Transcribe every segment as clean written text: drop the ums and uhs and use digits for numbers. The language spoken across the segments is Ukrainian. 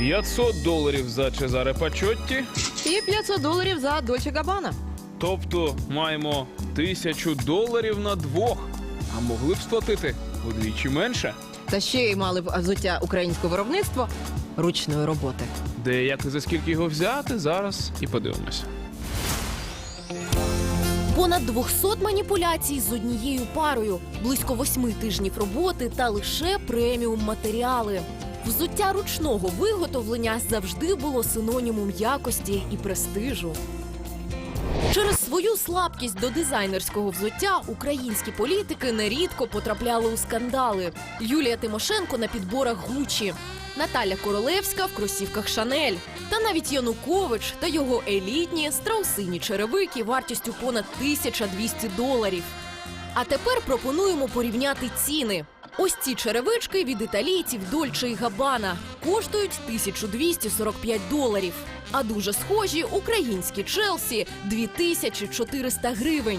$500 за Чезаре Пачотті. І $500 за Дольче Габбана. Тобто маємо $1000 на двох. А могли б сплатити удвічі менше. Та ще й мали б взуття українського виробництва ручної роботи. Де, як і за скільки його взяти, зараз і подивимося. Понад 200 маніпуляцій з однією парою, близько 8 тижнів роботи та лише преміум матеріали. Взуття ручного виготовлення завжди було синонімом якості і престижу. Через свою слабкість до дизайнерського взуття українські політики нерідко потрапляли у скандали. Юлія Тимошенко на підборах Гуччі, Наталя Королевська в кросівках Шанель. Та навіть Янукович та його елітні страусині черевики вартістю понад $1200. А тепер пропонуємо порівняти ціни. Ось ці черевички від італійців Дольче і Габбана коштують $1245. А дуже схожі українські Челсі – 2400 гривень.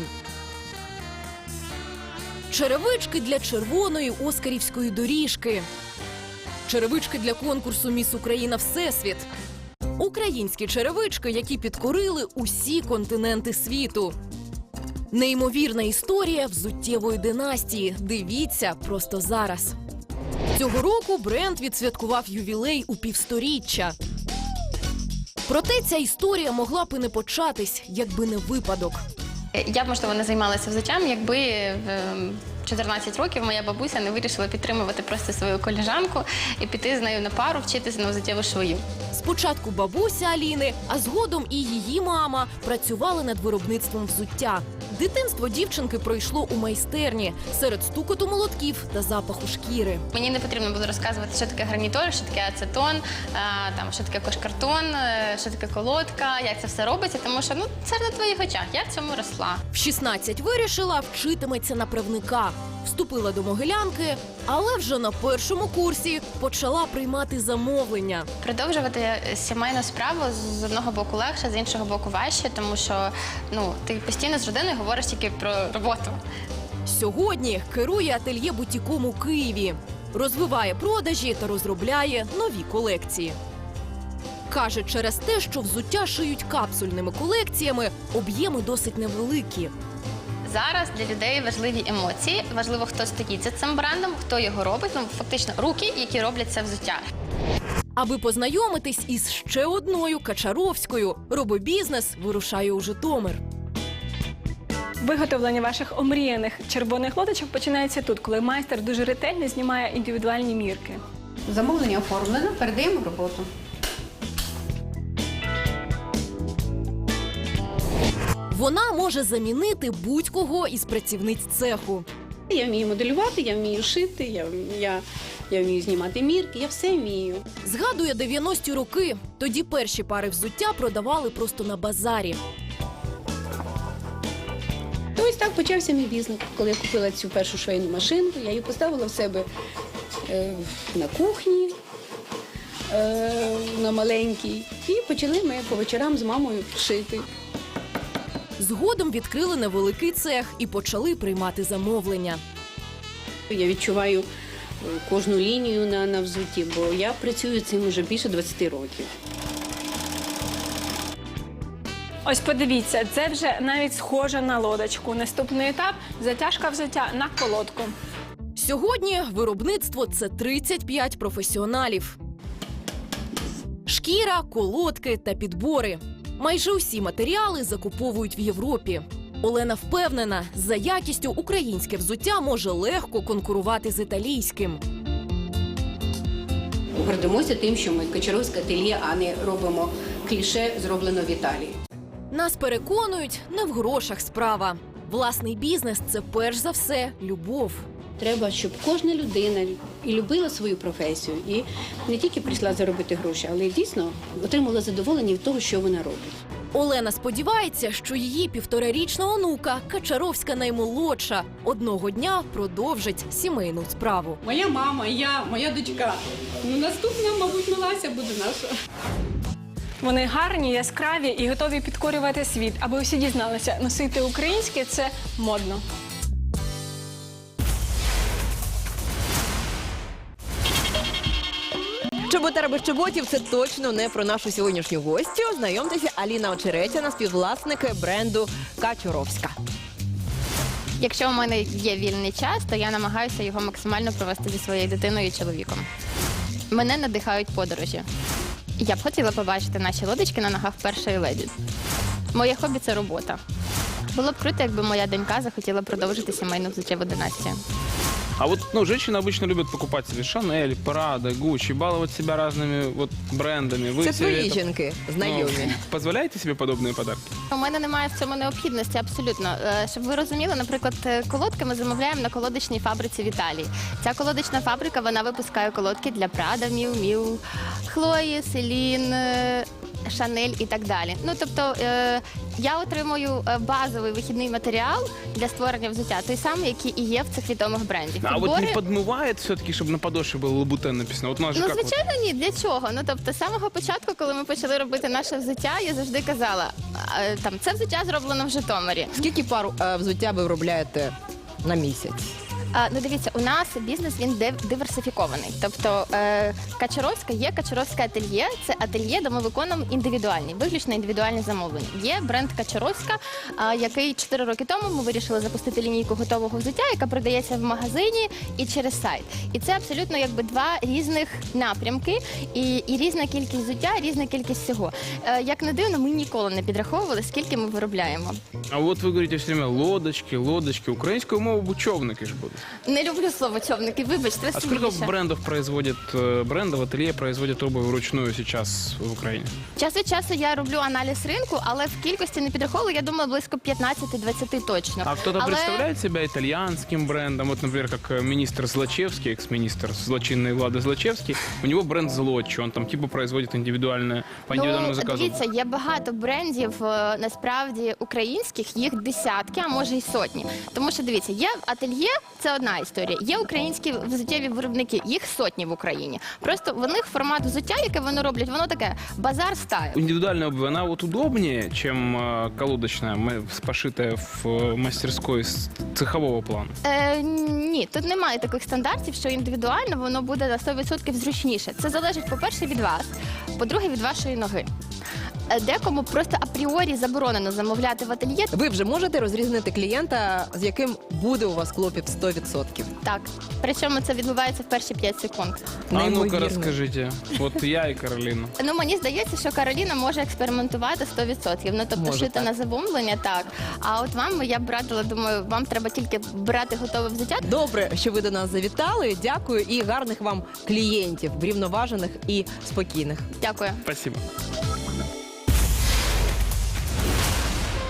Черевички для червоної оскарівської доріжки. Черевички для конкурсу «Міс Україна Всесвіт». Українські черевички, які підкорили усі континенти світу. Неймовірна історія взуттєвої династії. Дивіться просто зараз. Цього року бренд відсвяткував ювілей у півсторіччя. Проте ця історія могла б і не початись, якби не випадок. Я б, можливо, не займалася взуттям, якби в 14 років моя бабуся не вирішила підтримувати просто свою колежанку і піти з нею на пару, вчитися на взуттєву швою. Спочатку бабуся Аліни, а згодом і її мама працювали над виробництвом взуття. Дитинство дівчинки пройшло у майстерні серед стукоту молотків та запаху шкіри. Мені не потрібно було розказувати, що таке гарнітур, що таке ацетон, що таке кошкартон, що таке колодка, як це все робиться, тому що це на твоїх очах, я в цьому росла. В 16 вирішила, вчитиметься на правника. Вступила до Могилянки, але вже на першому курсі почала приймати замовлення. Продовжувати сімейну справу з одного боку легше, з іншого боку важче, тому що ти постійно з родиною говориш тільки про роботу. Сьогодні керує ательє бутіком у Києві. Розвиває продажі та розробляє нові колекції. Каже, через те, що взуття шиють капсульними колекціями, об'єми досить невеликі. Зараз для людей важливі емоції, важливо, хто стоїть за цим брендом, хто його робить, фактично руки, які роблять це взуття. Аби познайомитись із ще одною Качаровською, робобізнес вирушає у Житомир. Виготовлення ваших омріяних червоних лодочок починається тут, коли майстер дуже ретельно знімає індивідуальні мірки. Замовлення оформлено, передаємо в роботу. Вона може замінити будь-кого із працівниць цеху. Я вмію моделювати, я вмію шити, я вмію знімати мірки, я все вмію. Згадує 90-ті роки. Тоді перші пари взуття продавали просто на базарі. То ось так почався мій бізнес. Коли я купила цю першу швейну машинку, я її поставила в себе на кухні, на маленькій. І почали ми по вечорам з мамою шити. Згодом відкрили невеликий цех і почали приймати замовлення. Я відчуваю кожну лінію на взутті, бо я працюю цим вже більше 20 років. Ось подивіться, це вже навіть схоже на лодочку. Наступний етап – затяжка взуття на колодку. Сьогодні виробництво – це 35 професіоналів. Шкіра, колодки та підбори. Майже усі матеріали закуповують в Європі. Олена впевнена, за якістю українське взуття може легко конкурувати з італійським. Гордимося тим, що ми Качаровське ательє, а не робимо кліше, зроблено в Італії. Нас переконують, не в грошах справа. Власний бізнес – це перш за все любов. Треба, щоб кожна людина і любила свою професію, і не тільки прийшла заробити гроші, але й дійсно отримала задоволення від того, що вона робить. Олена сподівається, що її 1,5-річна онука, Качаровська наймолодша, одного дня продовжить сімейну справу. Моя мама, я, моя дочка. Наступна, мабуть, Милася буде наша. Вони гарні, яскраві і готові підкорювати світ. Аби всі дізналися, носити українське – це модно. Чоботар без чоботів – це точно не про нашу сьогоднішню гостю. Знайомтеся, Аліна Очеретяна, співвласник бренду Качуровська. Якщо у мене є вільний час, то я намагаюся його максимально провести зі своєю дитиною і чоловіком. Мене надихають подорожі. Я б хотіла побачити наші лодочки на ногах першої леді. Моє хобі – це робота. Було б круто, якби моя донька захотіла продовжити сімейну взуттєву династію. А вот, женщины обычно любят покупать себе Шанель, Прада, Гуччи, баловать себя разными вот брендами. Вы Це себе твої это, жінки, знайомі. позволяете себе подобные подарки? У мене немає в цьому необхідності абсолютно. Щоб ви розуміли, наприклад, колодки ми замовляємо на колодочній фабриці в Італії. Ця колодочна фабрика, вона випускає колодки для Прада, Міу Міу, Хлої, Селін, Шанель і так далі. Ну, тобто, я отримую базовий вихідний матеріал для створення взуття, той самий, який і є в цих відомих брендів. А вот не Підбори- подмывает все-таки, чтобы на подошве было Лабутен написано? Вот у нас же Ну, как вот- звичайно, ні. Для чого? Ну, тобто, з самого початку, коли ми почали робити наше взуття, я завжди казала, це взуття зроблено в Житомирі. Скільки пар взуття ви виробляєте на місяць? Ну, дивіться, у нас бізнес, він диверсифікований. Тобто Качуровська є Качуровське ательє. Це ательє, де ми виконуємо індивідуальні, виключно індивідуальні замовлення. Є бренд Качуровська, який 4 роки тому ми вирішили запустити лінійку готового взуття, яка продається в магазині і через сайт. І це абсолютно якби два різних напрямки і різна кількість взуття, різна кількість всього. Як не дивно, ми ніколи не підраховували, скільки ми виробляємо. А вот вы говорите все время лодочки. Украинскую мову бучевники же будут. Не люблю слово човники, вибачте, А сколько сміюся. брендов, ателье производят обувь вручную сейчас в Украине? Час від часу я роблю аналіз ринку, але в кількості не підраховую, я думаю, близько 15-20 точно. А кто-то Але- представляет себя итальянским брендом? Вот, например, как министр Злочевский, экс-министр злочинной Влады Злочевский, у него бренд Злочи, он там типа производит индивидуальное, по индивидуальному заказу. Дивіться, є багато брендів, насправді, українських, їх десятки, а може й сотні. Тому що, дивіться, є ательє, це одна історія, є українські взуттєві виробники, їх сотні в Україні. Просто в них формат взуття, яке вони роблять, воно таке базар стайл. Индивидуальная обувь, она вот удобнее, чем колодочная, пошитая в мастерской с цехового плана? Ні, тут немає таких стандартів, що індивідуально воно буде на 100% зручніше. Це залежить, по-перше, від вас, по-друге, від вашої ноги. Декому просто апріорі заборонено замовляти в ательє. Ви вже можете розрізнити клієнта, з яким буде у вас клопіт 100%? Так, причому це відбувається в перші 5 секунд. А ну-ка Неймовірно. расскажите. Вот я и Каролина. Ну, мені здається, що Кароліна може експериментувати 100%. Ну, тобто Може, шити так. на замовлення, так. А от вам я б радила, думаю, вам треба тільки брати готове взуття. Добре, що ви до нас завітали. Дякую і гарних вам клієнтів, врівноважених і спокійних. Дякую. Спасибо.